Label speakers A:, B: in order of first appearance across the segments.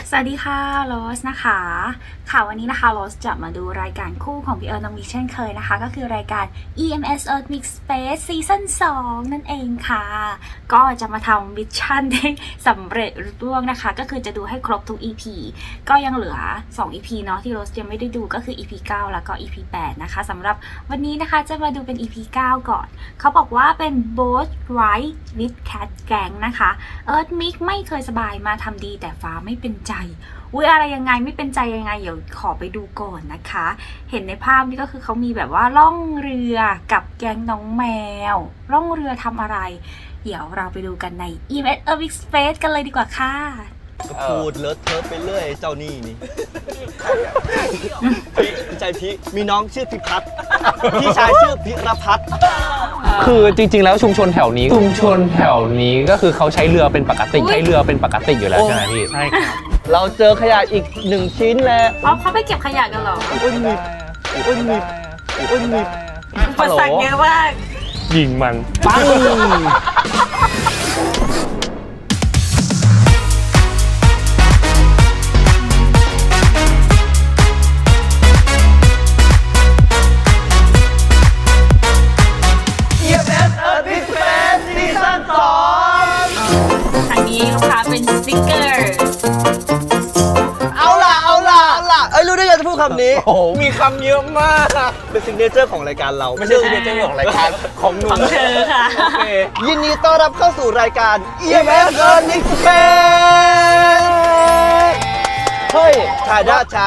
A: สวัสดีค่ะโรสนะคะค่ะวันนี้นะคะโรสจะมาดูรายการคู่ของพี่เอิร์ธน้องมิกเช่นเคยนะคะก็คือรายการ EMS Earth Mix Space ซีซั่น2นั่นเองค่ะก็จะมาทำมิชชั่นได้สำเร็จรุ่งนะคะก็คือจะดูให้ครบทุก EP ก็ยังเหลือ2 EP เนาะที่โรสยังไม่ได้ดูก็คือ EP 9 แล้วก็ EP 8นะคะสำหรับวันนี้นะคะจะมาดูเป็น EP 9 ก่อนเขาบอกว่าเป็น Boat Ride with Cat Gang นะคะเอิร์ธมิกไม่เคยสบายมาทำดีแต่ฟ้าไม่เป็นใจอุ๊ยอะไรยังไงไม่เป็นใจยังไงเดี๋ยวขอไปดูก่อนนะคะเห็นในภาพนี่ก็คือเขามีแบบว่าล่องเรือกับแก๊งน้องแมวล่องเรือทำอะไรเดี๋ยวเราไปดูกันใน EMS Earth Mix Space กันเลยดีกว่าค่ะ
B: ก็พูดเลอะเทอะไปเรื่อยเจ้านี่นี่พี่ใจพี่มีน้องชื่อพิพัฒน์พี่ชายชื่อพิรพัฒน์
C: คือจริงๆแล้วชุมชนแถวนี้ก็คือเขาใช้เรือเป็นปกติอยู่แล้วใช่ไหมพี่ใช่ครับ
B: เราเจอขยะอีก1 ชิ้นแล้ว
A: เขาไปเก็บขยะกันเหรอ
B: อุ้ยมีอุ้ยมีอุ้ยมี
A: อุปสรรคเยอะมาก
C: ยิงมัน
B: ปัง
A: ทางนี้ลูกค้าเป็นสติ๊กเกอร์
B: เอาล่ะเอ้ยรู้ได้ยังจะพูดคำนี้โอ้โหมีคำเยอะมากเป็นซิกเนเจอร์ของรายการเรา
C: ไม่ใช่ซิกเนเจอร์ของรายการของหนู
A: ของเธอค่ะ
B: โอเคยินดีต้อนรับเข้าสู่รายการ EMS Earth Mix Space เฮ้ยชาดาจ้า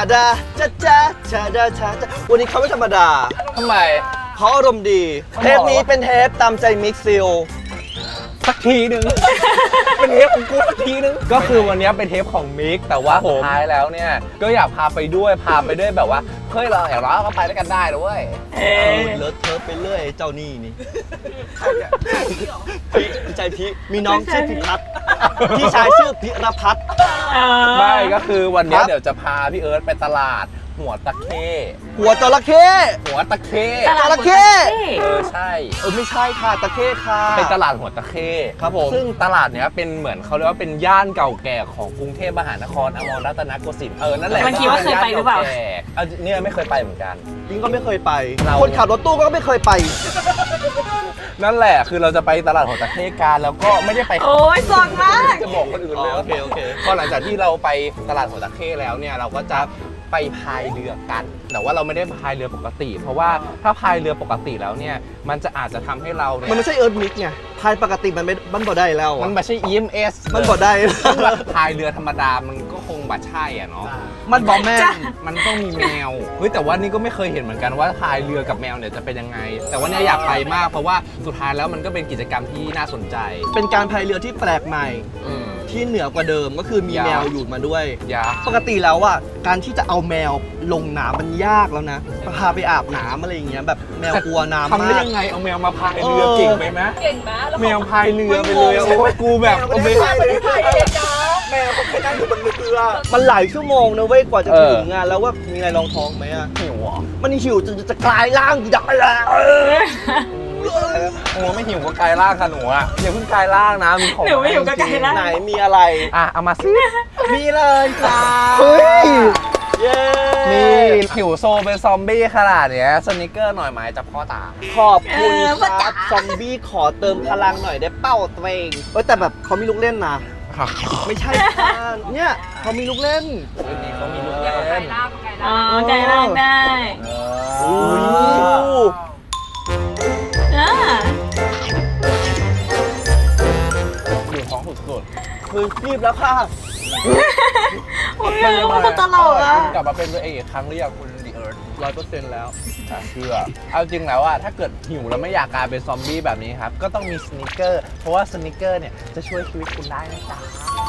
B: วันนี้เขาไม่ธรรมดา
C: ทำไม
B: เขาอารมณ์ดีเทปนี้เป็นเทปตามใจมิกซิล
C: สักทีหนึ่ง เป็นเทปของกูสักทีหนึ่งก็คือวันนี้เป็นเทปของมิกแต่ว่าสุดท้ายแล้วเนี่ยก็อยากพาไปด้วยแบบว่าเฮ้ยเราอย่างน้อยก็ไปด้วยกันได้ด้วย
B: เลอะเทอะไปเรื่อยเจ้านี่นี่พี่ใจพี่มีน้องชื่อพิพัฒน์พี่ชายชื่อพิรพัฒน์
C: ไม่ก็คือวันนี้เดี๋ยวจะพาพี่เอิร์ธไปตลาดหัวตะเข้
B: หัวจระเข้
A: จระเข้
C: ใช่
B: ไม่ใช่ค่ะตะเข้ค่ะ
C: เป็นตลาดหัวตะเข้
B: ครับผม
C: ซึ่งตลาดเนี้ยเป็นเหมือนเขาเรียกว่าเป็นย่านเก่าแก่ของกรุงเทพมหานครอมรรัตนโกสินทร์นั่นแหละ
A: มันคิดว่าเคยไปหรือเปล่า
C: เนี่ยไม่เคยไปเหมือนกัน
B: จริงก็ไม่เคยไปคนขับรถตู้ก็ไม่เคยไป
C: นั่นแหละคือเราจะไปตลาดหัวตะเข้กันแล้วก็ไม่ได้ไป
A: โอ้ยสดมาก
C: จะบอกคนอื่นเลย
B: โอเค
C: พอหลังจากที่เราไปตลาดหัวตะเข้แล้วเนี่ยเราก็จะไปพายเรือกันแต่ว่าเราไม่ได้พายเรือปกติเพราะว่าถ้าพายเรือปกติแล้วเนี่ยมันจะอาจจะทำให้เราเนี่ย
B: มันไม่ใช่เอิร์ธมิกไงพายปกติมันบ่ได้แล้ว
C: มันไม่ใช่ EMS
B: มันบ่ได้
C: พายเรือธรรมดามันก็คงบ่ใช่อ่ะเนาะ
B: มันบ่แม่
C: มันต้องมีแมวเฮ้ยแต่ว่านี่ก็ไม่เคยเห็นเหมือนกันว่าพายเรือกับแมวเนี่ยจะเป็นยังไงแต่ว่าเนี่ยอยากไปมากเพราะว่าสุดท้ายแล้วมันก็เป็นกิจกรรมที่น่าสนใจ
B: เป็นการพายเรือที่แปลกใหม่ที่เหนือกว่าเดิมก็คือมีแมวอยู่มาด้วยปกติแล้วอ่ะการที่จะเอาแมวลงน้ำมันยากแล้วนะพาไปอาบน้ำอะไรอย่างเงี้ยแบบแมวกลัวน้ำมาก
C: ทำได้ยังไงเอาแมวมาพายเรือเก่งไหมแมวพายเรือไปเลยโอ้กูแบบโอเค
B: แมวเขาแค่นั่งอยู่บนเรือมันหลายชั่วโมงนะเว้ยกว่าจะถึงงานแล้วว่ามีอะไรรองท้องไหมอ่ะ
C: หิวอ่ะ
B: มันหิวจะกลายร่างอยากไปแล้ว
C: โอ้ไม่หิวก็กลายร่างค่ะหนูอ่ะอย่าเพิ่งกลายร่างนะมีของ
A: หนูไม่หิวก็กลายร่าง
B: ไหนมีอะไร
C: เอามาสิ
B: มีเลยจ้า
C: เฮ้ยนี่หิวโซเป็นซอมบี้ขนาดเนี้ยสนิเกอร์หน่อยไหมจับพ่อตา
B: ขอบคุณครับซอมบี้ขอเติมพลังหน่อยได้เป้าตัวเองแต่แบบเขามีลูกเล่นนะไม่ใช่เนี่ยเขามีลูกเล่น
C: นี่เขามีลูกเล่น
A: ไก่ล่างได้
C: อยู่ท้องสุด
B: ๆคือรีบแล้วค่ะ
A: โอ้ยมันตลกอ่ะ
C: กลับมาเป็นตัวเองอีกครั้งหรือยังคุณดีเอิร์ธ
B: 100%แล้ว
C: เชื่อเอาจริงแล้วอะถ้าเกิดหิวแล้วไม่อยากกลายเป็นซอมบี้แบบนี้ครับก็ต้องมีสนิเกอร์เพราะว่าสนิเกอร์เนี่ยจะช่วยชีวิตคุณได้นะจ๊ะ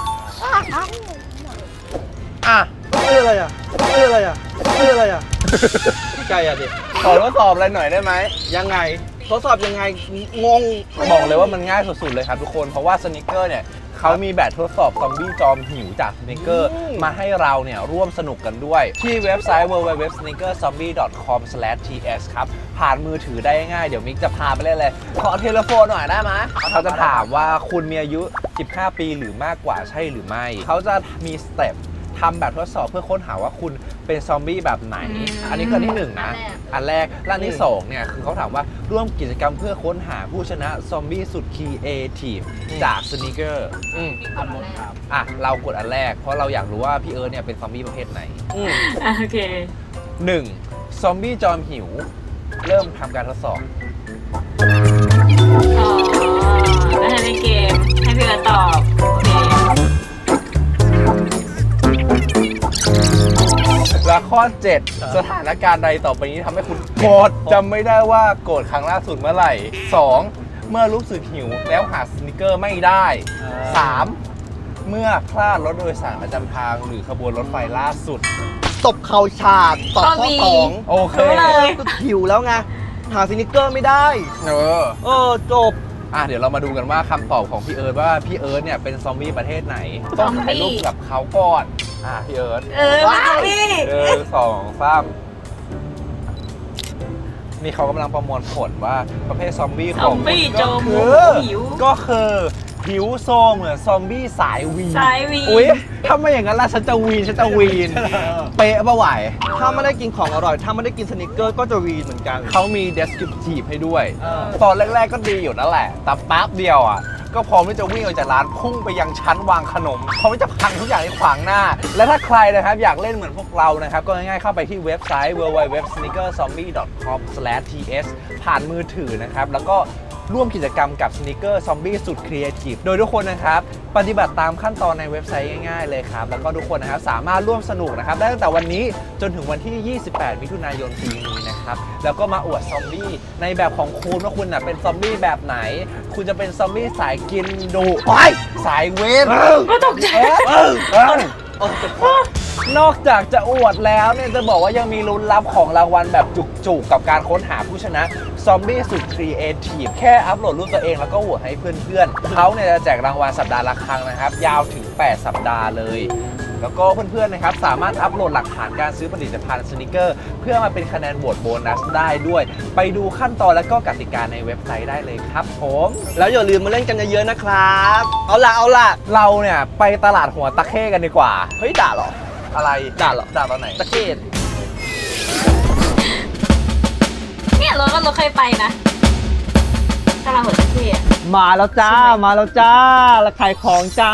B: อะไรอ่ะไก่อ่ะดิ
C: ขอทดสอบอะไรหน่อยได้ไหม
B: ยังไงทดสอบยังไงงง
C: บอกเลยว่ามันง่ายสุดๆเลยครับทุกคนเพราะว่าสนิเกอร์เนี่ยเขามีแบบทดสอบซอมบี้จอมหิวจากสนิเกอร์มาให้เราเนี่ยร่วมสนุกกันด้วยที่เว็บไซต์ www.sneakerzombie.com/ts ครับผ่านมือถือได้ง่ายเดี๋ยวมิกจะพาไปเล่นเลยขอเทเลโฟนหน่อยได้ไหมเขาจะถามว่าคุณมีอายุ15 ปีหรือมากกว่าใช่หรือไม่เขาจะมีสเต็ปทำแบบทดสอบเพื่อค้นหาว่าคุณเป็นซอมบี้แบบไหน อันนี้คืออันที่ 1 นะ อันแรกและอันที่ 2 เนี่ยคือเขาถามว่าร่วมกิจกรรมเพื่อค้นหาผู้ชนะซอมบี้สุดครีเอทีฟจากสนิเกอร์อ่ะเรากดอันแรกเพราะเราอยากรู้ว่าพี่เอิร์ธเนี่ยเป็นซอมบี้ประเภทไหน
A: โอเค
C: 1. ซอมบี้จอมหิว เริ่มทำการทดสอบ
A: อ๋อแล้วให้เล่นเกม ให้พี่เอิร์ธตอบ โอเค
C: และข้อ 7 สถานการณ์ใดต่อไปนี้ทำให้คุณโกรธจำไม่ได้ว่าโกรธครั้งล่าสุดเมื่อไหร่ 2. เมื่อรู้สึกหิวแล้วหาสนิเกอร์ไม่ได้ 3. เมื่อพลาดรถโดยสารประจำทางหรือขบวนรถไฟล่าสุด
B: ตบเข่าฉาดตอบข้อ
C: โอเค
A: รู้เลย
B: 2ก็หิวแล้วไงหาสนิเกอร์ไม่ได้ จบ
C: เดี๋ยวเรามาดูกันว่าคำตอบของพี่เอิร์ธว่าพี่เอิร์ธเนี่ยเป็นซอมบี้ประเทศไหน ต้องถ่ายรูปกับเขาก่อนพี่เอิร์ธ
A: มาพี่
C: 1 2 3นี่เขากำลังประมวลผลว่าประเภทซอมบี้
A: ซ
C: ข
A: อ
C: อง
A: มบี้
C: คุณ
A: จ
C: ก็
A: ม
C: คือ
A: หิว
C: ก็คือหิวโซเหมือนซอมบี้สายวีน
A: สายวีน
C: อุ๊ยถ้าไม่อย่างนั้นล่ะฉันจะวีน เป๊ะปะไหว
B: ถ้าไม่ได้กินของอร่อย ถ้าไม่ได้กินสนิเกอร์ก็จะวีนเหมือนกัน
C: เขามี descriptive ให้ด้วย ตอนแรกๆก็ดีอยู่นั่นแหละ แต่แป๊บเดียวก็พร้อมที่จะวิ่งออกจากร้านพุ่งไปยังชั้นวางขนมพร้อมที่จะพังทุกอย่างที่ขวางหน้า และถ้าใครนะครับอยากเล่นเหมือนพวกเรานะครับ ก็ง่ายๆเข้าไปที่เว็บไซต์ www.sneakerzombie.com/ts ผ่านมือถือนะครับ แล้วก็ร่วมกิจกรรมกับ Sneaker Zombie สุดครีเอทีฟโดยทุกคนนะครับปฏิบัติตามขั้นตอนในเว็บไซต์ง่ายๆเลยครับแล้วก็ทุกคนนะครับสามารถร่วมสนุกนะครับได้ตั้งแต่วันนี้จนถึงวันที่ 28 มิถุนายนปีนี้นะครับแล้วก็มาอวดซอมบี้ในแบบของคุณว่าคุณเป็นซอมบี้แบบไหน คุณจะเป็นซอมบี้สายกินดุสายเวฟ
A: ก็ตกใจ
C: นอกจากจะอวดแล้วเนี่ยจะบอกว่ายังมีลุ้นรับของรางวัลแบบจุกๆกับการค้นหาผู้ชนะซอมบี้สุดครีเอทีฟแค่อัปโหลดรูปตัวเองแล้วก็โหวตให้เพื่อนๆเขาเนี่ยจะแจกรางวัลสัปดาห์ละครั้งนะครับยาวถึง 8 สัปดาห์เลย แล้วก็เพื่อนๆนะครับสามารถอัปโหลดหลักฐานการซื้อผลิตภัณฑ์สนิเกอร์เพื่อมาเป็นคะแนนโหวตโบนัสได้ด้วย ไปดูขั้นตอนและก็กติกาในเว็บไซต์ได้เลยครับผม
B: แล้วอย่าลืมมาเล่นกันเยอะๆนะครับ เอาล่ะ
C: เราเนี่ยไปตลาดหัวตะเข้กันดีกว่า
B: เฮ้ยด่าเหรอ
C: อะไร
B: ด่าเหรอ
C: ด่าตอนไหน
B: ตะเกียบ
A: เนี่ยเราเคยไปนะตลาดหัวตะเข้อะ
B: มาแล้วจ้า มาแล้วจ้าแล้วขายของจ้า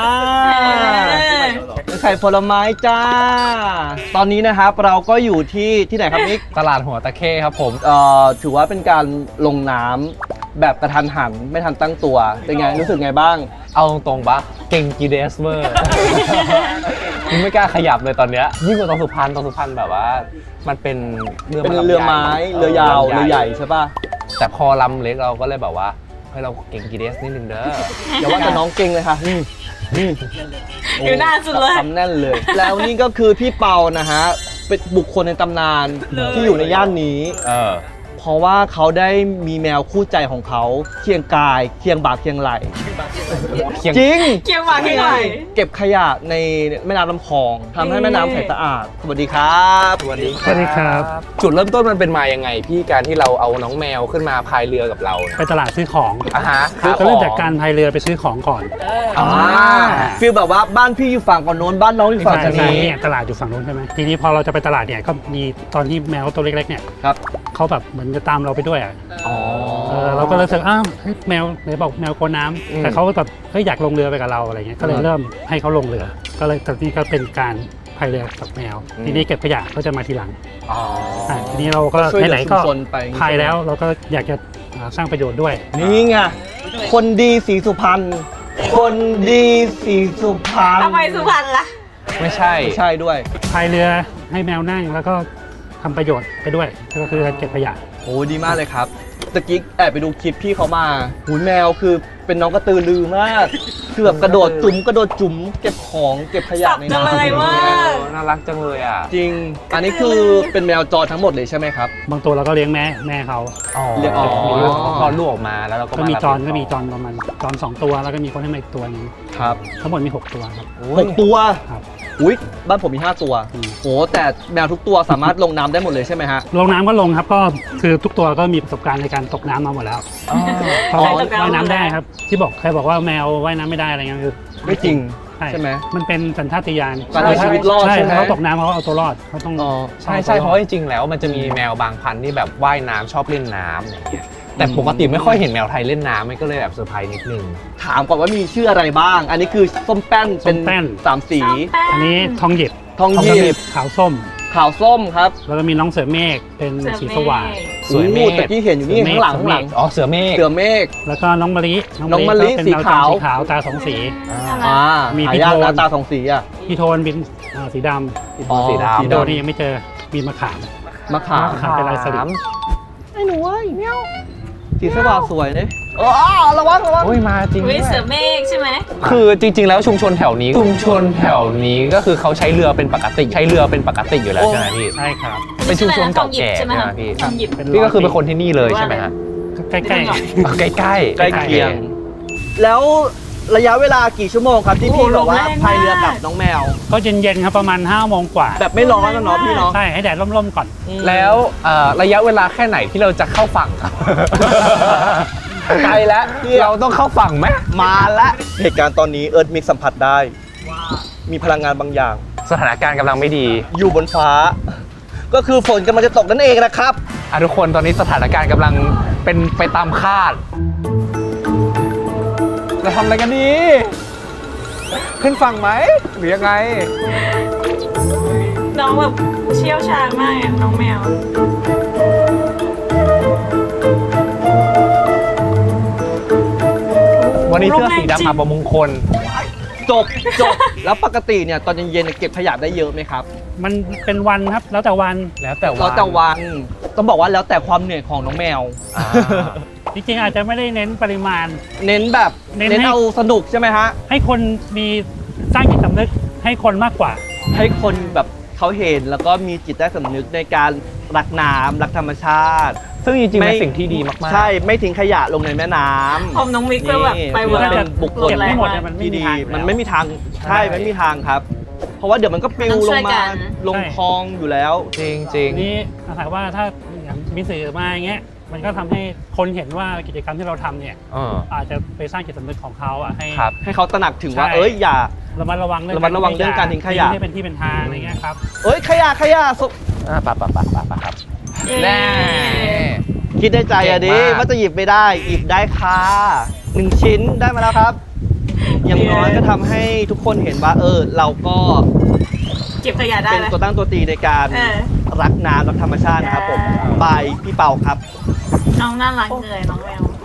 B: ขายผลไม้จ้า ตอนนี้นะครับเราก็อยู่ที่ไหนครับนิก
C: ตลาดหัวตะเข้ครับผม
B: ถือว่าเป็นการลงน้ำแบบกระทันหันไม่ทันตั้งตัว เป็นไง รู้สึกไงบ้าง
C: เอาตรงๆปะเก่งกีเดสเวอร์มึงไม่กล้าขยับเลยตอนเนี้ยยิ่งกว่าตอนสุพรรณแบบว่า มันเป็นเรือ
B: เป็นเรือไม้ เรือยาว เรือใหญ่ใช่ป่ะ
C: แต่พอลำเล็กเราก็เลยแบบว่าเฮ้ยเราเก่งกีเดสนิดนึงเด้อ
B: อย่าว่าแต่น้องเก่งเลยค่ะนี่
A: อยู่หน้าสุดเลย
B: ทำแน่นเลย แล้วนี่ก็คือพี่เปานะฮะ เป็นบุคคลในตำนานที่อยู่ในย่านนี้ เพราะว่าเขาได้มีแมวคู่ใจของเขาเคียงกายเคียงบ่าเคียงไหลจริง
A: เกี่ยวหวานให้หน่อย
B: เก็บขยะในแม่น้ำลำคลองทำให้แม่น้ำใสสะอาด สวัสดีครับ
C: สวัสดีครับ จุดเริ่มต้นมันเป็นมายังไงพี่การที่เราเอาน้องแมวขึ้นมาพายเรือกับเราเนี่ย
D: ไปตลาดซื้อของ
C: คือ
D: เริ่มจากการพายเรือไปซื้อของก่อน
B: ฟีลแบบว่าบ้านพี่อยู่ฝั่งก่อนโน้นบ้านน้องอยู่ฝั่ง
D: ใช่
B: นี้
D: เนี่ยตลาดอยู่ฝั่งนู้นใช่ไหมทีนี้พอเราจะไปตลาดเนี่ยก็มีตอนที่แมวตัวเล็กๆเนี่ย
B: ครับ
D: เขาแบบเหมือนจะตามเราไปด้วยอ่ะ
B: อ๋อ
D: เราก็เลยรู้สึกอ้าวเฮ้ยแมวไหนบอกแมวกลัวน้ำแต่เขาก็แบบเฮ้ยอยากลงเรือไปกับเราอะไรเงี้ยก็เลยเริ่มให้เขาลงเรือ ก็เลยตอนนี้ก็เป็นการพายเรือกับแมว ทีนี้เก็บขยะก็จะมาทีหลังทีนี้เราก็
B: ช่วยเหลือ
D: ไหนๆก็
B: ชุมชนไป
D: พายแล้วเราก็อยากจะสร้างประโยชน์ด้วย
B: นี่ไง คนดีสีสุพรรณ คนดีสีสุพรรณ
A: ทำไมสุพรรณล่ะ
C: ไม่ใช่
B: ไม่ใช่ด้วย
D: พายเรือให้แมวนั่งแล้วก็ทำประโยชน์ไปด้วยก็คือการเก็บขยะ
B: โอ้ดีมากเลยครับตะกี้แอบไปดูคลิปพี่เขามาหูแมวคือเป็นน้องกระตือรือมาก คือแบบกระโดดจุ๋มเก็บของเก็บขยะใน
A: สับจังเลย
B: น้ำ
A: ว่า
C: น่ารักจังเลยอ่ะ
B: จริง อันนี้คือเป็นแมวจรทั้งหมดเลยใช่ไหมครับ
D: บางตัวเราก็เลี้ยงแม่เขา
C: เรียก
B: อ๋อ
C: มีลูกคลอดลูกออกมาแล้วเราก็
D: ก็มี
C: ารับ
D: จรประมาณจร2 ตัวแล้วก็มีคนให้มาอีกตัวนึง
B: ครับ
D: ทั้งหมดมี 6 ตัวครับ
B: 6 ตัว
D: ครับ
B: อุ้ยบ้านผมมี 5 ตัว
D: อืม
B: โหแต่แมวทุกตัวสามารถลงน้ำได้หมดเลยใช่ไหมฮะ
D: ลงน้ำก็ลงครับก็คือทุกตัวก็มีประสบการณ์ในการตกน้ำมาหมดแล้วเพราะว่าว่ายน้ำได้ครับที่บอกใครบอกว่าแมวว่ายน้ำไม่ได้อะไรเงี้ยคือ
B: ไม่จริงใช่ไหม
D: มันเป็นสัญชาตญาณ
B: การเอาชีวิตรอด
D: ใช่
B: ใช่ไหม
D: เขาตกน้ำเขาเอาตัวรอดเขาต้อง
B: อ๋อ
C: ใช่เพราะจริงๆแล้วมันจะมีแมวบางพันธุ์ที่แบบว่ายน้ำชอบเล่นน้ำอย่างเงี้ยแต่ปกติไม่ค่อยเห็นแมวไทยเล่นน้ำมันก็เลยแบบเซอร์ไพรส์นิดนึง
B: ถามก่อนว่ามีชื่ออะไรบ้าง อันนี้คือส้มแป้นเป็น3 สี
D: อันนี้ทองหยิบ
B: ทองหยิบ
D: ขาวส้ม
B: ขาวส้มครับ
D: แล้วก็มีน้องเสือเมฆเป็นสีสว่าง
C: สวยเมฆ
B: โอ้ตะกี้เห็นอยู่นี่ข้างหลัง
C: อ๋อเสือเมฆ
B: เสือเมฆ
D: แล้วก็น้องมะลิ
B: น้องมะลิ
D: ก็เป็น
B: สี
D: แมว
B: ขาว
D: จรสีขาวตาสองสี
B: อ่า
D: มี
B: หา
D: พี่
B: ยาก
D: โทน
B: นะตา2 สีอ่ะ
D: พี่โทนเป็นสีด
B: อ๋อ
C: สี
D: ำ
C: ดำ
D: สีโดนี่ยังไม่เจอมีมะขาม
B: มะขาม
D: มะขามเป็นลายสลิด
B: ไอ้หนูเอ้ยเมียวสีสว่างสวยเลยอ๋อระวัง
C: โอ้ยมาจริงด้
E: วิ
C: วย
E: เสือเมฆใช่ไหม
C: คือจริงๆแล้วชุมชนแถวนี้ก็คือเขาใช้เรือเป็นปกติอยู่แล้วใช่ไหมพี่
D: ใช่ครับ
C: เป็นชุมชนเก่าแก่
E: ใช่ไหม
C: ใช่ไหม
E: คะ
C: พี่
E: ทองหยิบ
C: พี่ก็คือเป็นคนที่นี่เลยใช่ไหมฮะ
D: ใกล้
C: ใกล้ๆ
B: ใกล้เคียง แล้วระยะเวลากี่ชั่วโมงครับที่พี่บอกว่าพายเรือกับน้องแมว
D: ๆก็เย็นๆครับประมาณ5 โมงกว่า
B: แบบไม่ร้อนนะเนาะพี่เนาะ
D: ใช่ให้แดดร่มๆก่อน
C: แล้วระยะเวลาแค่ไหนที่เราจะเข้าฝั่งครับ ไกลแล้วเราต้องเข้าฝั่งไหม
B: มาละเหตุการณ์ตอนนี้เอิร์ธมิกสัมผัสได้ มีพลังงานบางอย่าง
C: สถานการณ์กำลังไม่ดี
B: อยู่บนฟ้า ก็คือฝนกำลังจะตกนั่นเองนะครับ
C: ทุกคนตอนนี้สถานการณ์กำลังเป็นไปตามคาดเราทำอะไรกันดี ขึ้นฝั่งไหมหรือยังไง
E: น้องแบบเชี่ยวชาญมากอะน้องแมว
C: วันนี้เสื้อสีดำอับมงคล
B: จบ แล้วปกติเนี่ยตอนเย็นๆเก็บขยะได้เยอะไหมครับ
D: มันเป็นวันครับแล้วแต่วัน
C: แล้วแต่
B: แล้วแต่วันต้องบอกว่าแล้วแต่ความเหนื่อยของน้องแมว
D: จริงๆอาจจะไม่ได้เน้นปริมาณ
B: เน้นแบบ
D: เน้น
B: เน้น
D: ให้
B: เอาสนุกใช่ไหมฮะ
D: ให้คนมีสร้างจิตสำนึกให้คนมากกว่า
B: ให้คนแบบเขาเห็นแล้วก็มีจิตใต้สำนึกในการรักน้ำรักธรรมชาติ
C: ซึ่งจริงๆ
B: ไม่
C: เป็นสิ่งที่ดีมากๆ
B: ใช่ไม่ทิ้งขยะลงในแม่น้ำ
E: พอมน้องมิกก็แบบไป
B: นี่
E: เวิร์
D: ถ้า
E: ก
D: จะ
B: บุคคล
D: เก็บไม่หมดเนี่ยมันไม่
B: ที่
D: มี
B: ดี
D: ทางอยู่แล้ว
B: มันไม่มีทางใช่
D: ใช่
B: ไม่มีทางครับ เพราะว่าเดี๋ยวมันก็ปลิวลงมาลงคลองอยู่แล้ว
C: จริง
D: นี่ถามว่าถ้าอย่างมีสื่อมาอย่างเงี้ยมันก็ทำให้คนเห็นว่ากิจกรรมที่เราทำเนี่ย อาจจะไปสร้างจิตสำนึกของเขาอ่ะให้
C: ครับ
B: ให้เขาตระหนักถึงว่า
D: ใช่
B: เอ้ยอย่า
D: ระมัดระวังเรื่อง
B: ระมัดระวังเรื่องการทิ้งขยะ
D: ให้เป็นที่เป็นทางอะไรเงี้ยครับ
B: เอ้ยขยะสุ
C: ปะครับ
E: แน่
B: คิดในใจอะดิ
C: เก่งมาก
B: ว่าจะหยิบไม่ได้หยิบได้ค่ะ1 ชิ้นได้มาแล้วครับ อย่างน้อยก็ทำให้ทุกคนเห็นว่าเราก็
E: เก็บขยะได้
B: เป็น
E: ไหม
B: ตัวตั้งตัวตีในการ
E: เออ
B: รักน้ำรักธรรมชาตินะครับผมบายพี่เปาครับ
E: น้องน่ารักเลยน้องแมว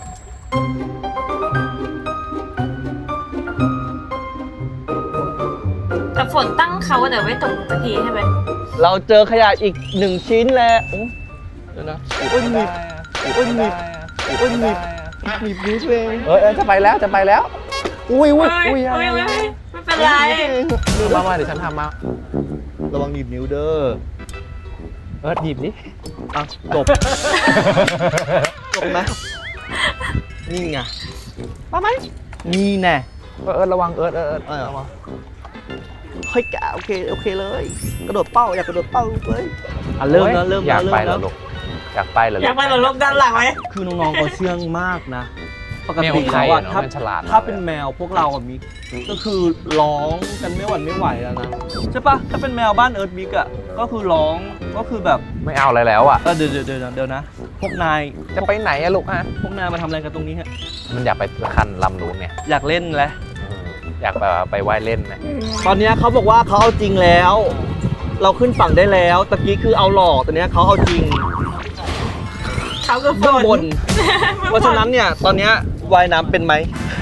E: แต่ฝนตั้งเขาแต่ไม่ตกสักทีใช่ไหม
B: เราเจอขยะอีก1 ชิ้นแล้วเดี๋ยวนะโอ้ยหนีบโอ้ยหนีบโอ้ยหนีบหนีบนิ้วตัวเอง
C: จะไปแล้ว อุ้ย
E: ไม่เป็นไร
C: มาเดี๋ยวฉันทำมา
B: ระวังหนีบนิ้วเด้อ
C: หยิบดิ
B: อ่ะจบ จบไหมนี่ไงมาไหมนี่แน่
C: ระวัง
B: ระวังเฮ้ยแกโอเคเลย กระโดดเป้าอยากกระโดดเป้าเลยเริ่มแล้ว
C: อยาก
B: เริ่ม
C: ไป
B: แล้
C: แล้ว วลูกอยากไปแล้ว
E: อยากไปเหรอลบด้านหลังไหม
B: คือน้องๆเขาเชื่องมากนะ ปก
C: แมว
B: ติ
C: ไท
B: แล้ว
C: ย
B: อะ
C: เนาะ
B: ถ้า
C: มันฉลาด
B: ถ้าเป็นแมวพวกเราอะมิกก็คือร้องกันไม่หวั่นไม่ไหวแล้วนะใช่ปะถ้าเป็นแมวบ้านเอิร์ธมิกอะก็คือร้องก็คือแบบ
C: ไม่เอาอะไรแล้วอ่ะ
B: เดี๋ยวนะ พวกนาย
C: จะไปไหนอะลูกฮะ
B: พวกนายมาทำอะไรกันตรงนี้ฮะ
C: มันอยากไปคันลำนู้นเนี่ย
B: อยากเล่นแหละ
C: อยากไปว่ายเล่นนะ
B: ตอนเนี้ยเขาบอกว่าเขาเอาจริงแล้ว เราขึ้นฝั่งได้แล้วตะกี้คือเอาหลอกตอนเนี้ยเขาเอาจริง
E: เขาคือฝ
B: เบื้องบน เพราะฉะนั้นเนี่ยตอนเนี้ยว่ายน้ำเป็นไหม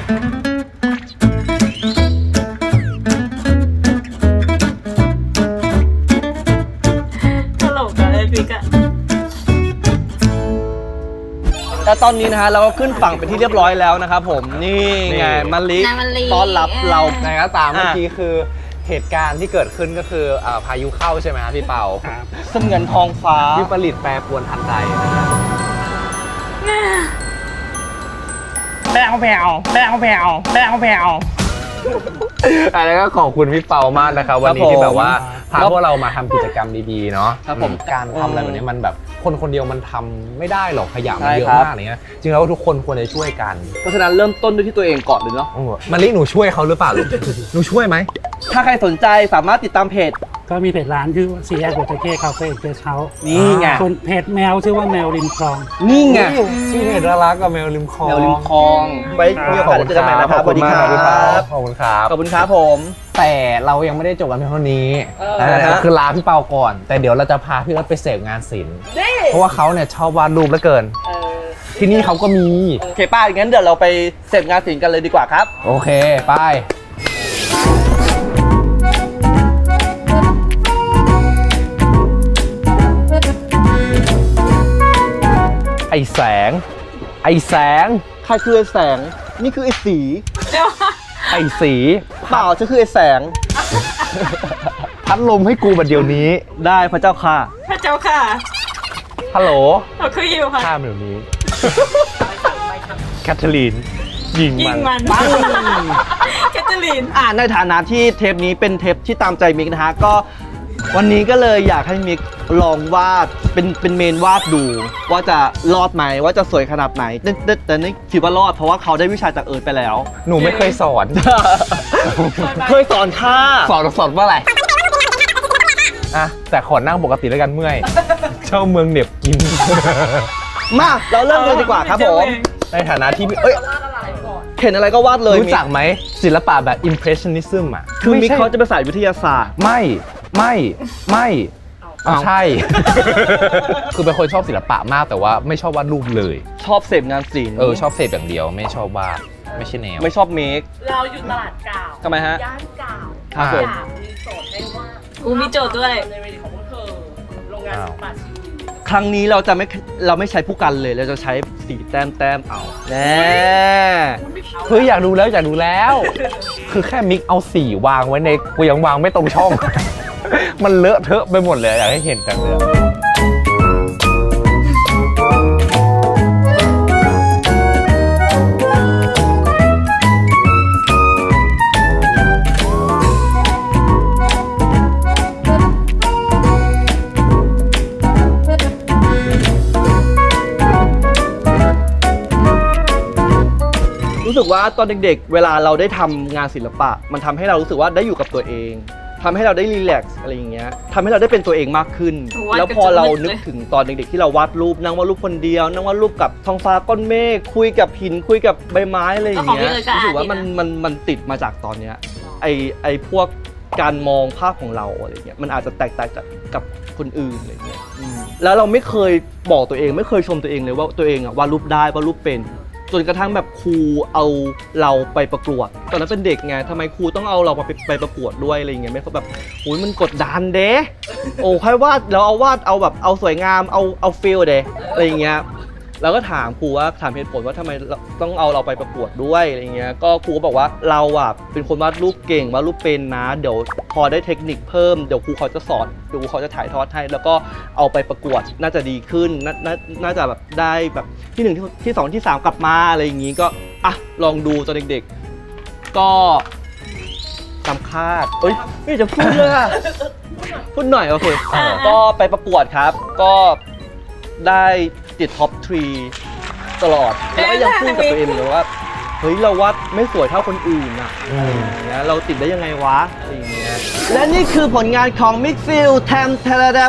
E: ตลกอะเลยพี่กะ
B: แต่ตอนนี้นะฮะเราก็ขึ้นฝั่งเป็นที่เรียบร้อยแล้วนะครับผมนี่ไงมะลิ
E: นายมะลิ
B: ต้อนรับเรา
C: ไหนก็ตามเมื่อกี้คือเหตุการณ์ที่เกิดขึ้นก็คือพายุเข้าใช่ไหมครับพี่เปา
D: ครับ
B: เสมือนทองฟ้า
C: ที่ผลิตแปรปรวนทันใดนะครับ
D: แปลว
C: อันนี้ก็ขอบคุณพี่เปามากนะครับวันนี้ที่แบบว่าพาพวกเรามาทำกิจกรรมดีๆเนาะ
B: ครับผม
C: การทำอะไรแบบนี้มันแบบคนเดียวมันทำไม่ได้หรอกขยะมัน
B: ใช่
C: เยอะ
B: ครับ
C: มากอะไรเงี้ยจริงแล้วทุกคนควรจะช่วยกัน
B: เพราะฉะนั้นเริ่มต้นด้วยที่ตัวเองก่อนเลยเนาะ
C: มะลิหนูช่วยเขาหรือเปล่าลูก หนูช่วยไหม
B: ถ้าใครสนใจสามารถติดตามเพจ
D: ก็มีเพจร้านชื่อว่าซีแอคโบเตเก้คาเฟ่เกสเฮาส์
B: นี่ไง
D: ส่วนเพจแมวชื่อว่าแมวริมคลอง
B: นี่ไง
C: ชื่อเพจน่ารักกับแมวริมคลอง
B: แนวริมคลองไว้มีโอกาสเจอกันใหม่นะครับ
C: ขอบคุณมากครับพี่เปาขอบคุณครับ
B: ขอบคุณครับผม
C: แต่เรายังไม่ได้จบกันเพียงเท่านี้
B: ฮะ
C: คือลาพี่เปาก่อน แต่เดี๋ยวเราจะพาพี่เอิร์ธไปเสพงานศิลป์เพราะว่าเขาเนี่ยชอบวาดรูปเหลือเกิน ที่นี่เขาก็มี
B: โอเคป้างั้นเดี๋ยวเราไปเสพงานศิลป์กันเลยดีกว่าครับ
C: โอเค ไป ไอแสง ไอแสง
B: ใครคือไอ้แสง นี่คือไอ้สี
C: ไอสี
B: เปล่าจะคือไอ้แสง
C: พัดลมให้กูบัดเดี๋ยวนี้
B: ได้พระเจ้าค่ะ
E: พระเจ้าค่ะ
C: ฮัลโหล
E: เราคืออยู่ค่ะ
C: ข้ามเดี๋ยวนี้ แคทเธอรีน ยิง
E: ยิ
C: มั
E: ง
C: น
E: มันแคทเธอรีน
B: ในฐานะที่เทปนี้เป็นเทปที่ตามใจมิกนะฮะก็วันนี้ก็เลยอยากให้มิกลองวาดเป็นเมนวาดดู ว่าจะรอดไหมว่าจะสวยขนาดไหนแต่นี่คิดว่ารอดเพราะว่าเขาได้วิชาจากเอิร์ธไปแล้ว
C: หนูไม่เคยสอน
B: เคยสอนค่ะ
C: สอนว่าอะไรอ่ะแต่ขอนั่งปกติแล้วกันเมื่อย เช่าเมืองเหน็บกิน
B: มาเราเริ่มเลยดีกว่าครับผม
C: ในฐานะที่เอ้ย
B: เห็นอะไรก็วาดเลย
C: รู้จักไหมศิลปะแบบ impressionism อ่ะ
B: คือมิก
C: ไใช่
B: เขาจะเป็นสายวิทยาศาสตร์
C: ไม่
B: อ้าว
C: ใช่ คือเป็นคนชอบศิลปะมากแต่ว่าไม่ชอบวาดรูปเลย
B: ชอบเสพงานศิลป์
C: ชอบเสพอย่างเดียวไม่ชอบวาดไม่ใช่แนว
B: ไม่ชอบเมค
F: เราอยู่ตลาดกาว
B: ทำไมฮะ
F: ย่านกาว
B: ครับผม
F: อยากมีโจทย์ให้ว่า
E: กูมีโจทย์ด้วย
F: ในเวทีของพวกเธอ โรงงานศิลปะชีวิต
B: ครั้งนี้เราไม่ใช้ผู้กันเลยเราจะใช้สีแต้มเอาแน่
C: เฮ้ยอยากดูแล้ว คือแค่มิกเอาสีวางไว้ในกูยังวางไม่ตรงช่อง มันเลอะเทอะไปหมดเลยอยากให้เห็นจังเลย
B: รู้สึกว่าตอนเด็กๆ เวลาเราได้ทำงานศิลปะ มันทำให้เรารู้สึกว่าได้อยู่กับตัวเองทำให้เราได้รีแลกซ์อะไรอย่างเงี้ยทำให้เราได้เป็นตัวเองมากขึ้น
E: วาด
B: แล้วพอเรา
E: กระจุกเลย
B: นึกถึงตอนเด็กๆ ที่เราวาดรูปนั่งวาดรูปคนเดียวนั่งวาดรูปกับท้องฟ้าก้อนเมฆคุยกับหินคุยกับใบไม้อะไรอย่างเงี้ยรู้สึกว่ามันติดมาจากตอนเนี้ยไอพวกการมองภาพของเราอะไรเงี้ยมันอาจจะแตกต่างกับคนอื่นอะไรเงี้ยแล้วเราไม่เคยบอกตัวเองไม่เคยชมตัวเองเลยว่าตัวเองอะวาดรูปได้วาดรูปเป็นจนกระทั่งแบบครูเอาเราไปประกวดตอนนั้นเป็นเด็กไงทำไมครูต้องเอาเราไปประกวดด้วยอะไรเงี้ยไม่เขาแบบโอ้ยมันกดดันเด้โอ้ค่อยวาดเราเอาวาดเอาแบบเอาสวยงามเอาฟีลเด้อะไรเงี้ยเราก็ถามครูว่าถามเหตุผลว่าทำไมต้องเอาเราไปประกวดด้วยอะไรเงี้ยก็ครูก็บอกว่าเราอะเป็นคนวาดรูปเก่งวาดรูปเป็นนะเดี๋ยวพอได้เทคนิคเพิ่มเดี๋ยวครูเขาจะสอนเดี๋ยวครูเขาจะถ่ายทอดให้แล้วก็เอาไปประกวดน่าจะดีขึ้นน่าจะแบบได้แบบที่1ที่2ที่3กลับมาอะไรอย่างงี้ก็อ่ะลองดูตอนเด็กๆก็ตามคาดเอ้ยไม่จะพูดเลยอะพูดหน่อยโอเคก็ไปประกวดครับก็ได้ติดท็อป 3 ตลอด แล้วก็ยังพูดกับตัวเองเลยว่า เฮ้ย เราวาดไม่สวยเท่าคนอื่นอ่ะนะเราติดได้ยังไงวะอะไรอย่างเงี้ยและนี่คือผลงานของมิกซิลแทม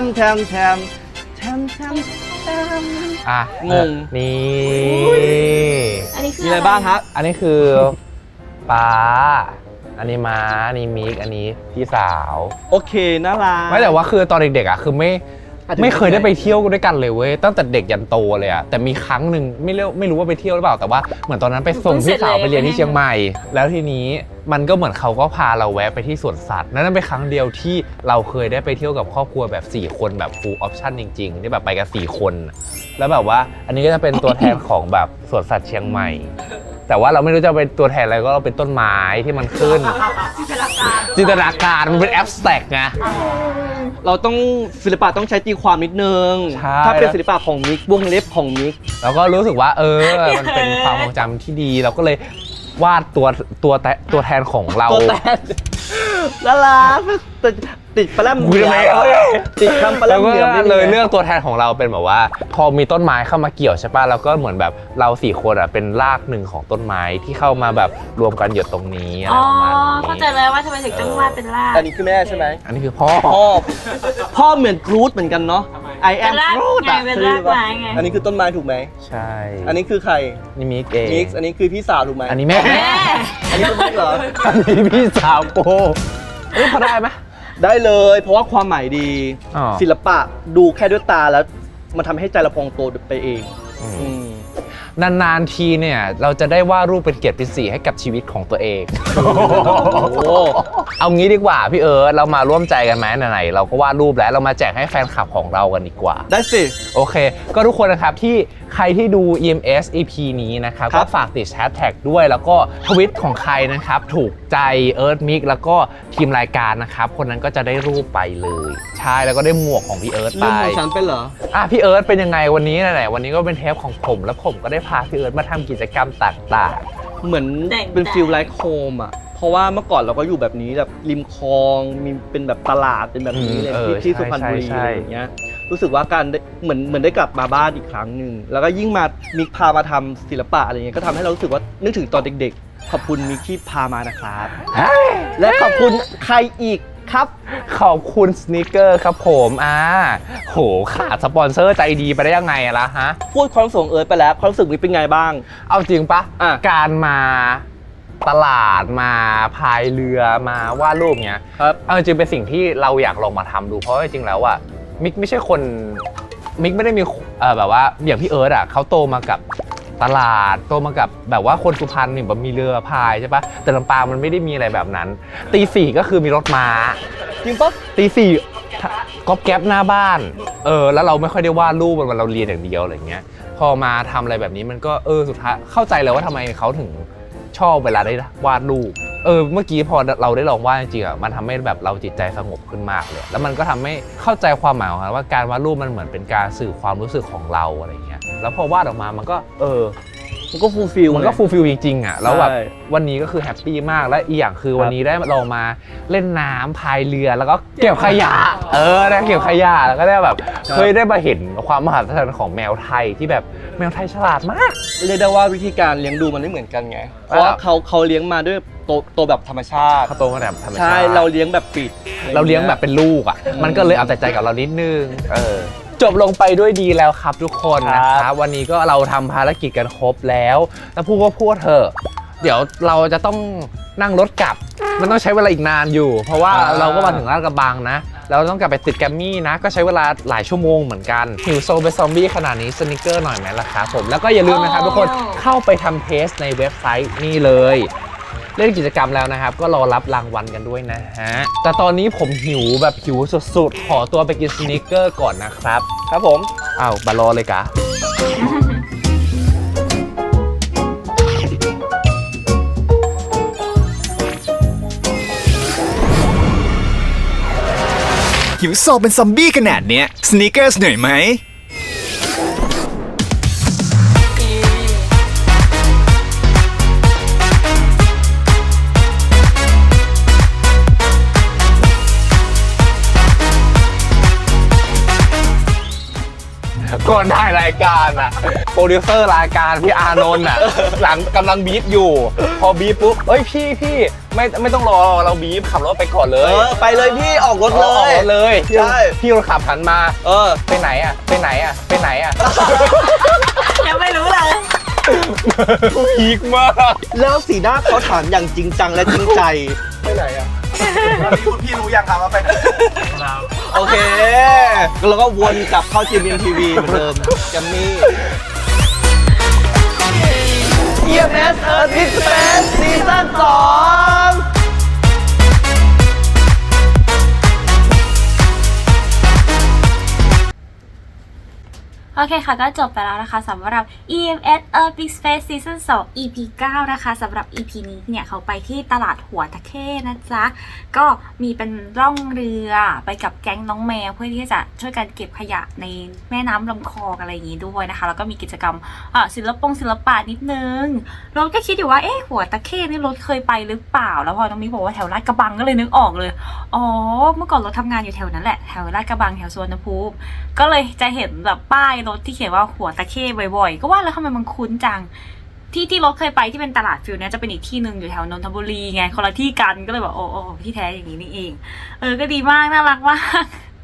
C: อ่ะ
B: งง
C: นี่
E: อันนี้คือ
B: มีอะไรบ้างครับ
C: อันนี้คือป๊าอันนี้ม้าอันนี้มิกอันนี้พี่สาว
B: โอเคน่ารัก
C: ไม่แต่ว่าคือตอนเด็กๆอ่ะคือไม่
B: อาจจะ
C: ไม่เคยได้ไปเที่ยวด้วยกันเลยเว้ยตั้งแต่เด็กยันโตเลยอะแต่มีครั้งหนึ่งไม่รู้ว่าไปเที่ยวหรือเปล่าแต่ว่าเหมือนตอนนั้นไปส่งพี่สาวไปเรียนที่เชียงใหม่ แล้วทีนี้มันก็เหมือนเขาก็พาเราแวะไปที่สวนสัตว์นั่นเป็นครั้งเดียวที่เราเคยได้ไปเที่ยวกับครอบครัวแบบ4คนแบบ full option จริงๆที่แบบไปกัน4คนแล้วแบบว่าอันนี้ก็จะเป็นตัวแทนของแบบสวนสัตว์เชียงใหม่ แต่ว่าเราไม่รู้จะเป็นตัวแทนอะไรก็เราเป็นต้นไม้ที่มันขึ้นจินตนาการมันเป็นแอบสแต็กไง
B: เราต้องศิลปะต้องใช้ตีความนิดนึง
C: ใช่
B: ถ้าเป็นศิลปะของมิกวงเล็บของมิก
C: แล้วก็รู้สึกว่ามันเป็นความทรงจำที่ดีเราก็เลยวาดตัวแทนของเรา
B: ตัวแทนละลาติดปลาแรม
C: กูจะไม่เอาเลย
B: ติดคำปลาแร
C: แล้ว
B: ม
C: ก็
B: เหลือมนี่
C: เลยเลือกตัวแทนของเราเป็นแบบว่า พอมีต้นไม้เข้ามาเกี่ยวใช่ป่ะแล้วก็เหมือนแบบเรา4 คนอ่ะเป็นรากหนึ่งของต้นไม้ที่เข้ามาแบบรวมกันหยดตรงนี้อะไร
E: อ๋อ
C: ประมาณนี้
E: เข้าใจแล้วว่าทำไมถึงต้องวาดเป็นราก
B: อันนี้คือแม่ใช่ไหม
C: อันนี้คือพ่อ
B: พ่อเหมือนกรูดเหมือนกันเนาะ I
E: เป็
B: am
E: นราก
B: Groot
E: ไง
B: อะ
E: เป็นรากไม้ไง
B: อันนี้คือต้นไม้ถูกไหม
C: ใช่
B: อันนี้คือใคร
C: นี่มิกเอง
B: มิกซ์อันนี้คือพี่สาวถูกไหม
C: อันนี้แม่
E: แม่
B: อันนี้คือมิกซ์เหรอ
C: อันนี้พี่สาวโกพอได้ไหม
B: ได้เลยเพราะว่าความหมายดี
C: อ๋อ
B: ศิลปะดูแค่ด้วยตาแล้วมันทำให้ใจเราพองโตไปเอง อืม
C: นานๆทีเนี่ยเราจะได้วาดรูปเป็นเกียรติศรีให้กับชีวิตของตัวเอง
B: โอ้โห
C: เอางี้ดีกว่าพี่เอิร์ธเรามาร่วมใจกันไหมไหนๆเราก็วาดรูปแล้วเรามาแจกให้แฟนคลับของเรากันดีกว่า
B: ได้สิ
C: โอเค ก็ทุกคนนะครับที่ใครที่ดู EMS EP นี้นะครับ
B: ครั
C: ก็
B: บ
C: ฝากติดแฮชแท็กด้วยแล้วก็ทวิตของใครนะครับ ถูกใจเอิร์ธมิกแล้วก็ทีมรายการนะครับ คนนั้นก็จะได้รูปไปเลย ใช่แล้วก็ได้หมวกของพี่เอิร์ธไป
B: เรื่องของฉันเป็นเหรอ
C: พี่เอิร์ธเป็นยังไงวันนี้ไหนๆวันนี้ก็เป็นเทปของผมแล้วผมก็ได้พาพี่เอิร์ธมาทำกิจกรรมต่าง
B: เหมือนเป็นฟิลไลฟ์โฮมอ่ะ เพราะว่าเมื่อก่อนเราก็อยู่แบบนี้แบบริมคลองมีเป็นแบบตลาดเป็นแบบนี้เลยที่สุพรรณบุรีอะไรอย่างเงี้ยรู้สึกว่าการได้เหมือนได้กลับมาบ้านอีกครั้งหนึ่งแล้วก็ยิ่งมามิกพามาทำศิลปะอะไรเงี้ยก็ทำให้เรารู้สึกว่านึกถึงตอนเด็กๆ ขอบคุณมิกที่พามานะครับ และขอบคุณใครอีกครับ
C: ขอบคุณสนิเกอร์ครับผมโหขาดสปอนเซอร์ใจดีไปได้ยังไงอะล่ะฮะ
B: พูดความรู้สึกเอิร์ธไปแล้วความรู้สึกมิกเป็นไงบ้าง
C: เอาจริงปะ
B: อ่ะ
C: การมาตลาดมาพายเรือมาวาดรูปเนี้ย
B: ครับ
C: เอาจริงเป็นสิ่งที่เราอยากลองมาทำดูเพราะว่าจริงๆแล้วอะมิกไม่ใช่คนมิกไม่ได้มีแบบว่าอย่างพี่เอิร์ธอะเขาโตมากับตลาดโตมากับแบบว่าคนสุพรรณนี่แบบมีเรือพายใช่ปะแต่ลำปางมันไม่ได้มีอะไรแบบนั้นตีสี่ก็คือมีรถม้า
B: จริงปะ
C: ตีสี่ก๊อปแก๊ปหน้าบ้านแล้วเราไม่ค่อยได้วาดรูปมันเราเรียนอย่างเดียวอะไรเงี้ยพอมาทำอะไรแบบนี้มันก็สุดท้ายเข้าใจเลยว่าทำไมเขาถึงชอบเวลาได้วาดรูปเมื่อกี้พอเราได้ลองวาดจริงๆอ่ะมันทำให้แบบเราจิตใจสงบขึ้นมากเลยแล้วมันก็ทำให้เข้าใจความหมายของมันว่าการวาดรูปมันเหมือนเป็นการสื่อความรู้สึกของเราอะไรเงี้ยแล้วพอวาดออกมามันก็
B: มันก็ฟูลฟิล
C: มันก็ฟูลฟิลจริงๆอ่ะแล้วแบบ
B: ใช่
C: วันนี้ก็คือแฮปปี้มากและอีกอย่างคือวันนี้ได้ลองมาเล่นน้ำพายเรือแล้วก็เก็บขยะได้เก็บขยะแล้วก็ได้แบบเคยได้มาเห็นความมหัศจรรย์ของแมวไทยที่แบบแมวไทยฉลาดมาก
B: เรียกได้ว่าวิธีการเลี้ยงดูมันไม่เหมือนกันไง เพราะว่าเขาเลี้ยงมาด้วยโตแบบธรรมชาติ
C: เขาโตมาแบบธรรมชาติ
B: ใช่ เราเลี้ยงแบบปิด
C: เราเลี้ยงแบบเป็นลูกอ่ะ มันก็เลยเอาแต่ใจกับเรานิดนึงจบลงไปด้วยดีแล้วครับทุกคนนะครับวันนี้ก็เราทำภารกิจกันครบแล้วพูดก็พูดเถอะเดี๋ยวเราจะต้องนั่งรถกลับ มันต้องใช้เวลาอีกนานอยู่ เพราะว่าเราก็มาถึงลาดกระบังนะเราต้องกลับไปติดแกรมมี่นะก็ใช้เวลาหลายชั่วโมงเหมือนกันหิวโซเป็นซอมบี้ขนาดนี้สนิเกอร์หน่อยไหมล่ะครับผมแล้วก็อย่าลืมนะครับทุกคนเข้าไปทำเทสในเว็บไซต์นี่เลยเล่นกิจกรรมแล้วนะครับก็รอรับรางวัลกันด้วยนะฮะแต่ตอนนี้ผมหิวแบบหิวสุดๆขอตัวไปกินสนิเกอร์ก่อนนะครับครับผมอ้าวบารอเลยกะ
G: หิวโซเป็นซอมบี้ขนาดเนี้ยสนีกเกอร์เหนื่อยไหม
C: ก่อนถ่ายรายการอะโปรดิวเซอร์รายการพี่อานนท์อะหลังกำลังบีบอยู่ พอบีบปุ๊บเอ้ยพี่ไม่ต้องรอเราบีบขับรถไปก่อนเลย
B: ไปเลยพี่ออกรถเล
C: ออก
B: ย
C: รถเลย
B: ใช่
C: พี่รถขับหันมาไปไหนอะไปไหนอะไปไหนอะ
E: ยังไม่รู้เลย
C: พีคมาก
B: แล้วสีหน้าเขาถามอย่างจริงจังและจริงใจ
C: ไปไหนอะ
G: พี่รู้ยังครับว่าไปไหน
B: โอเคแล้วก็วนกลับเข้า GMMTV เหมือนเดิมแกมมี่ EMS Earth Mix Space ซีซั่น 2
A: โอเคค่ะก็จบไปแล้วนะคะสำหรับ EMS Earth Big Space Season 2 EP 9 นะคะสำหรับ EP นี้เนี่ยเขาไปที่ตลาดหัวตะเข้นะจ๊ะก็มีเป็นร่องเรือไปกับแก๊งน้องแมวเพื่อที่จะช่วยกันเก็บขยะในแม่น้ำลำคลองอะไรอย่างนี้ด้วยนะคะแล้วก็มีกิจกรรมศิลปะนิดนึงรถก็คิดอยู่ว่าหัวตะเข้นี่รถเคยไปหรือเปล่าแล้วพอน้องมิกบอกว่าแถวลาดกระบังก็เลยนึกออกเลยอ๋อเมื่อก่อนรถทำงานอยู่แถวนั้นแหละแถวลาดกระบังแถวสวนภูมิก็เลยจะเห็นแบบป้ายรถที่เขียนว่าหัวตะเข้บ่อยๆก็ว่าแล้วทำไมมันคุ้นจังที่รถเคยไปที่เป็นตลาดฟิลเนี่ยจะเป็นอีกที่หนึ่งอยู่แถวนนทบุรีไงคนละที่กันก็เลยแบบโอ้ที่แท้อย่างนี้นี่เองก็ดีมากน่ารักมาก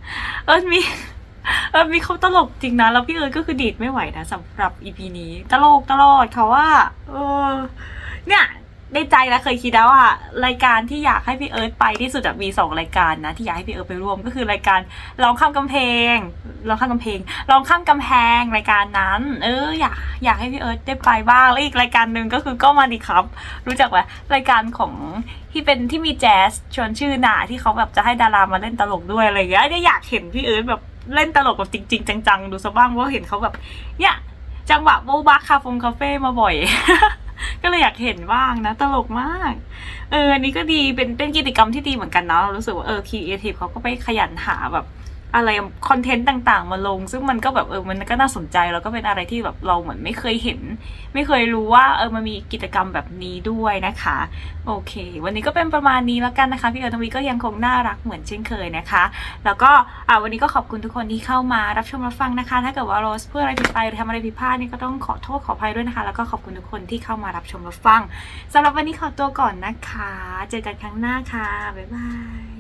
A: มีเขาตลกจริงนะแล้วพี่ก็คือดีดไม่ไหวนะสำหรับ EP นี้ตลกตลอดเขาว่าเนี่ยในใจแล้วเคยคิดแล้วว่ารายการที่อยากให้พี่เอิร์ธไปที่สุดมี2รายการนะที่อยากให้พี่เอิร์ธไปร่วมก็คือรายการร้องข้ามกำแพงร้องข้ามกำแพงรายการนั้นอยากให้พี่เอิร์ธได้ไปบ้างแล้วอีกรายการหนึ่งก็คือก็มาดิครับรู้จักไหมรายการของที่มีแจ๊สชวนชื่อหนาที่เขาแบบจะให้ดารามาเล่นตลกด้วยอะไรอย่างเงี้ยอยากเห็นพี่เอิร์ธแบบเล่นตลกแบบจริงๆจังๆดูซะบ้างเพราะเห็นเขาแบบเนี่ยจังหวะโบ๊ะบักคาเฟ่มาบ่อย ก็เลยอยากเห็นบ้างนะตลกมากอันนี้ก็ดีเป็นกิจกรรมที่ดีเหมือนกันนะเรารู้สึกว่าครีเอทีฟเขาก็ไปขยันหาแบบอะไรคอนเทนต์ต่างๆมาลงซึ่งมันก็แบบมันก็น่าสนใจแล้วก็เป็นอะไรที่แบบเราเหมือนไม่เคยเห็นไม่เคยรู้ว่ามันมีกิจกรรมแบบนี้ด้วยนะคะโอเควันนี้ก็เป็นประมาณนี้แล้วกันนะคะพี่เอิร์ธทวีก็ยังคงน่ารักเหมือนเช่นเคยนะคะแล้วก็วันนี้ก็ขอบคุณทุกคนที่เข้ามารับชมรับฟังนะคะถ้าเกิดว่าโรสพูดอะไรผิดไปหรือทำอะไรผิดพลาดนี่ก็ต้องขอโทษขออภัยด้วยนะคะแล้วก็ขอบคุณทุกคนที่เข้ามารับชมรับฟังสำหรับวันนี้ขอตัวก่อนนะคะเจอกันครั้งหน้าค่ะบ๊ายบาย